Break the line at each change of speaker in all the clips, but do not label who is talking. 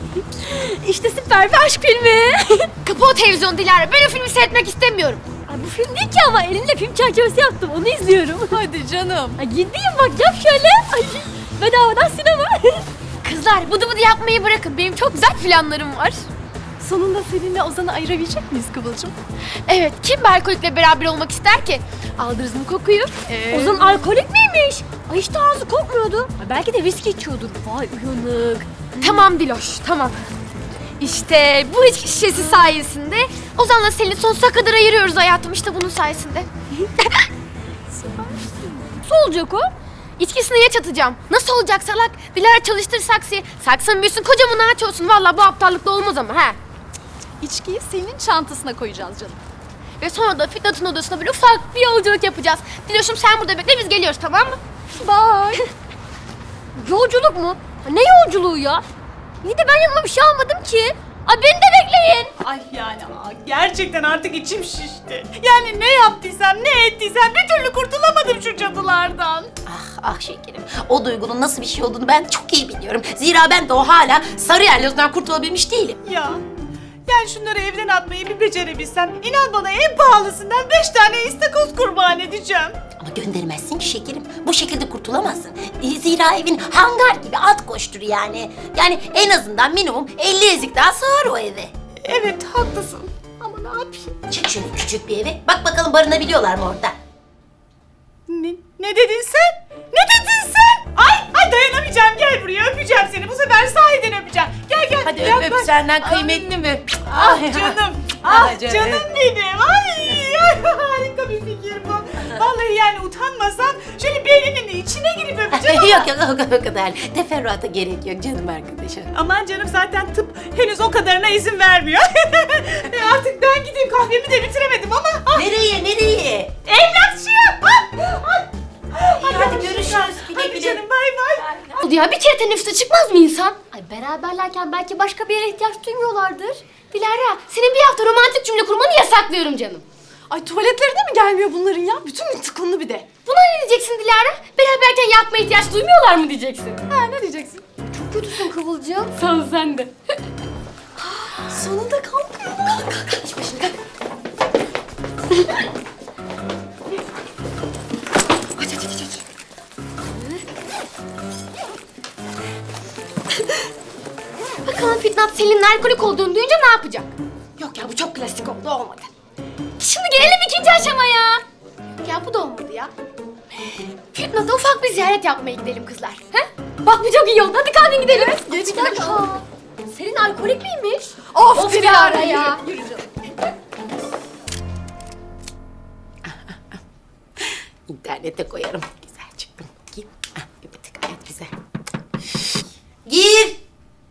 İşte süper bir aşk filmi.
Kapı o televizyon Dilara. Ben o filmi seyretmek istemiyorum.
Ay bu film değil ki ama elimle film çerçevesi yaptım. Onu izliyorum.
Hadi canım.
Ay gideyim bak yap şöyle. Ay bedavadan sinema.
Kızlar bıdı bıdı yapmayı bırakın. Benim çok güzel planlarım var.
Sonunda seninle Ozan'ı ayırabilecek miyiz Kıvılcım?
Evet, kim bir alkolikle beraber olmak ister ki? Aldınız mı kokuyu?
Ozan alkolik miymiş? Ay hiç de ağzı kokmuyordu. Ay belki de viski içiyordur. Vay uyanık.
Tamam Diloş, tamam. İşte bu içki şişesi sayesinde Ozan'la Selin'i sonsuza kadar ayırıyoruz hayatım. İşte bunun sayesinde.
Nasıl olacak o?
İçkisini ya çatacağım. Nasıl olacak salak? Dilara çalıştır saksıyı. Saksın büyüsün, kocaman ağaç olsun. Vallahi bu aptallıkla olmaz ama ha.
İçkiyi senin çantasına koyacağız canım.
Ve sonra da Fitnat'ın odasına böyle ufak bir yolculuk yapacağız. Diloş'um sen burada bekle, biz geliyoruz, tamam mı?
Bye. Yolculuk mu? Ne yolculuğu ya? İyi de ben yanıma bir şey almadım ki. Ay beni de bekleyin.
Ay yani gerçekten artık içim şişti. Yani ne yaptıysam ne ettiysem bir türlü kurtulamadım şu cadılardan.
Ah şekerim, o duygunun nasıl bir şey olduğunu ben çok iyi biliyorum. Zira ben de o hala sarı yerlozdan kurtulabilmiş değilim.
Ya yani şunları evden atmayı bir becerebilsem inan bana en pahalısından 5 tane istakoz kurban edeceğim.
Ama göndermezsin ki şekerim, bu şekilde kurtulamazsın. Zira evin hangar gibi at koştur yani. Yani en azından minimum 50 ezik daha sığar o eve.
Evet haklısın ama ne yapayım?
Çık şöyle küçük bir eve, bak bakalım barınabiliyorlar mı orada?
Ne dedin sen? Ne dedin sen? Ay dayanamayacağım, gel buraya öpeceğim seni. Bu sefer sahiden öpeceğim. Gel.
Hadi
yaklaş.
öp senden kıymetli mi?
Ah canım. Ah
Ay,
canım benim. Ay harika bir fikir bu. Vallahi yani utanmasam şöyle beyninin içine girip öpeceğim ama.
yok o kadar. Teferruata gerek yok canım arkadaşım.
Aman canım zaten tıp henüz o kadarına izin vermiyor. Artık ben gideyim, kahvemi de bitiremedim ama. Ah,
Nereye?
evlatçıyım.
Hadi görüşürüz.
Hadi canım bay bay.
Oldu ya, bir kere teneffüse çıkmaz mı insan?
Ay beraberlerken belki başka bir yere ihtiyaç duymuyorlardır.
Dilara, senin bir hafta romantik cümle kurmanı yasaklıyorum canım.
Ay tuvaletlerine mi gelmiyor bunların ya? Bütün gün tıkınlı bir de.
Buna ne diyeceksin Dilara? Beraberken yapmaya ihtiyaç duymuyorlar mı diyeceksin?
Ha ne diyeceksin?
Çok kötüsün Kıvılcım.
Sağ ol, sen de.
Sonunda kalkıyor. Kalk. İş başına kalk. Aç.
Bakalım Fitnat Selin'in alkolik olduğunu duyunca ne yapacak? Yok ya, bu çok klasik oldu, olmadı. Şimdi gelelim ikinci aşamaya. Ya bu da olmadı ya. Fitnat'a ufak bir ziyaret yapmaya gidelim kızlar. He? Bak bu çok iyi oldu, hadi kalkın gidelim.
Geç
Bir dakika. Senin alkolik miymiş?
Of
Dilara ya.
Yürü canım.
İnternete koyarım. Güzel çıktım. Bakayım. Evet gayet güzel. Gir.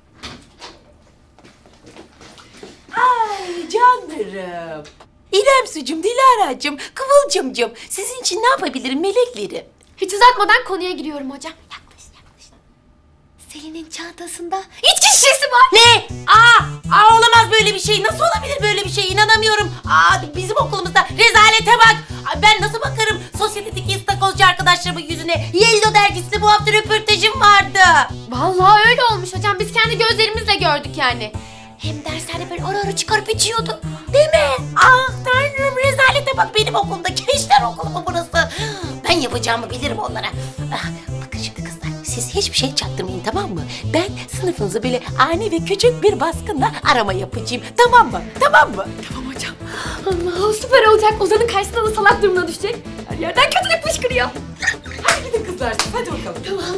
Ay canlarım. İrem sucum, Dilara'cığım, Kıvılcım'cığım. Sizin için ne yapabilirim meleklerim?
Hiç uzatmadan konuya giriyorum hocam. Yaklaş. Selin'in çantasında içki şişesi var.
Ne? Olamaz böyle bir şey. Nasıl olabilir böyle bir şey? İnanamıyorum. Bizim okulumuzda rezalete bak. Ay, ben nasıl bakarım sosyetedeki istakozcu arkadaşlarımın yüzüne? Yellow dergisinde bu hafta röportajım vardı.
Vallahi öyle olmuş hocam, biz kendi gözlerimizle gördük yani. Hem derslerde böyle ara ara çıkarıp içiyordu.
Değil mi? Tanrım rezalete bak, benim okulumda. Gençler okulu mu burası? Ben yapacağımı bilirim onlara. Bakın şimdi kızlar, siz hiçbir şey çaktırmayın, tamam mı? Ben sınıfınızı böyle ani ve küçük bir baskınla arama yapacağım. Tamam mı? Tamam hocam.
Allah, süper olacak. Ozan'ın karşısında da salak durumuna düşecek. Her yerden kötülük fışkırıyor.
Hadi gidin kızlar. Hadi bakalım.
Tamam.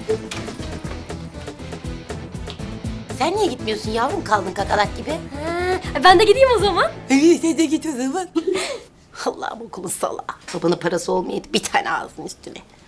Sen niye gitmiyorsun yavrum, kaldın kakalak gibi?
Ben de gideyim o zaman.
Sen de git o zaman. Allah'ım okulun salağı. Babanın parası olmayıp bir tane ağzın üstüne.